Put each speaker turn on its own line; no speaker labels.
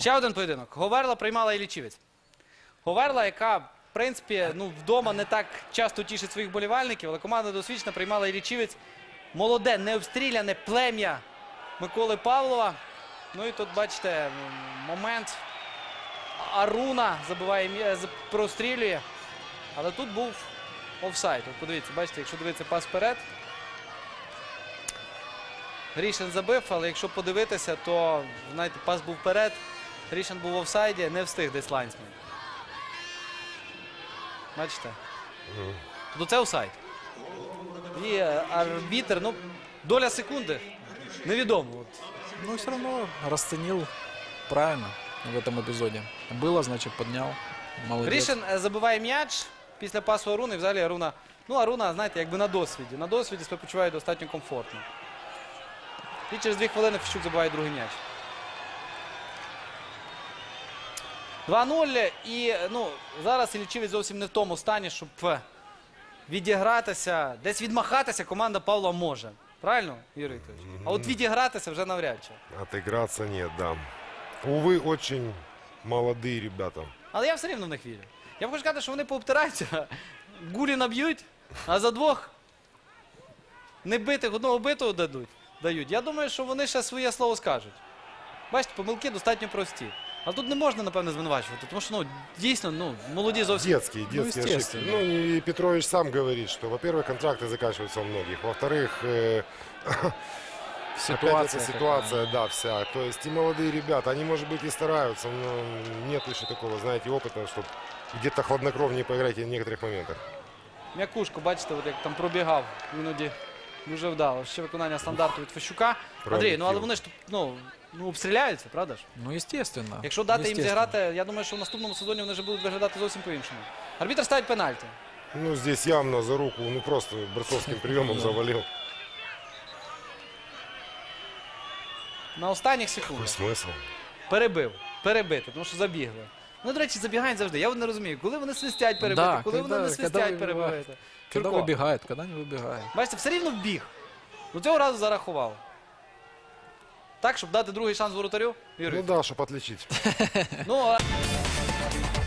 Ще один поєдинок. Говерла приймала Іллічівець. Говерла, яка, в принципі, вдома не так часто тішить своїх болівальників, але команда досвідчена приймала Іллічівець. Молоде, необстріляне плем'я Миколи Павлова. Ну і тут, бачите, момент. Аруна забиває, прострілює. Але тут був офсайд. От подивіться, бачите, якщо дивитися пас вперед. Грішин забив, але якщо подивитися, то, знаєте, пас був вперед. Грішин був в офсайді, не встиг десь лайнсмен. Бачите? Тобто це офсайд. І арбітр, ну, доля секунди, невідомо.
Ну, все равно расценил правильно в этом эпизоде. Было, значит, поднял. Молодец.
Грішин забиває м'яч після пасу Аруни. Взагалі Аруна, Аруна, знаєте, якби на досвіді. На досвіді себе почуває достатньо комфортно. І через 2 хвилини Фіщук забиває другий м'яч. 2-0. І, зараз Іллічівець зовсім не в тому стані, щоб відігратися, десь відмахатися команда Павла може. Правильно, Юрій Вікторович? А от відігратися вже навряд чи.
Отыграться нет, да. Увы, очень молодые ребята.
Але я все рівно в них вірю. Я хочу сказати, що вони пообтираються, гулі наб'ють, а за 2 небитих, 1 битого дають. Я думаю, що вони ще своє слово скажуть. Бачите, помилки достатньо прості. А тут не можна, напевно, звинувачувати, тому що, дійсно, молоді зовсім...
Детские ошибки. Ну, и Петрович сам говорит, что, во-первых, контракты заканчиваются у многих. Во-вторых, опять эта ситуация, да, вся. То есть и молодые ребята, они, может быть, и стараются, но нет еще такого, знаете, опыта, чтобы где-то хладнокровнее поиграть в некоторых моментах.
М'якушко, бачите, от як там пробігав, іноді дуже вдало. Ще виконання стандарту від Фещука. Андрій, але вони ж, обстріляються, правда ж?
Ну, естественно.
Якщо дати їм зіграти, я думаю, що в наступному сезоні вони вже будуть виглядати зовсім по-іншому. Арбітр ставить пенальті.
Ну, здесь явно за руку, просто борцовским приемом завалил.
На останніх секундах.
Какой смысл?
Перебити, тому що забігли. Ну, до речі, забігають завжди. Я не розумію, коли вони свистять перебити, коли вони не свистять перебити.
Когда выбегают, когда не выбегают.
Бачите, все рівно вбіг. До цього разу зарахував. Так, щоб дати другий шанс воротарю?
Ну да, чтобы отличить.
Ну,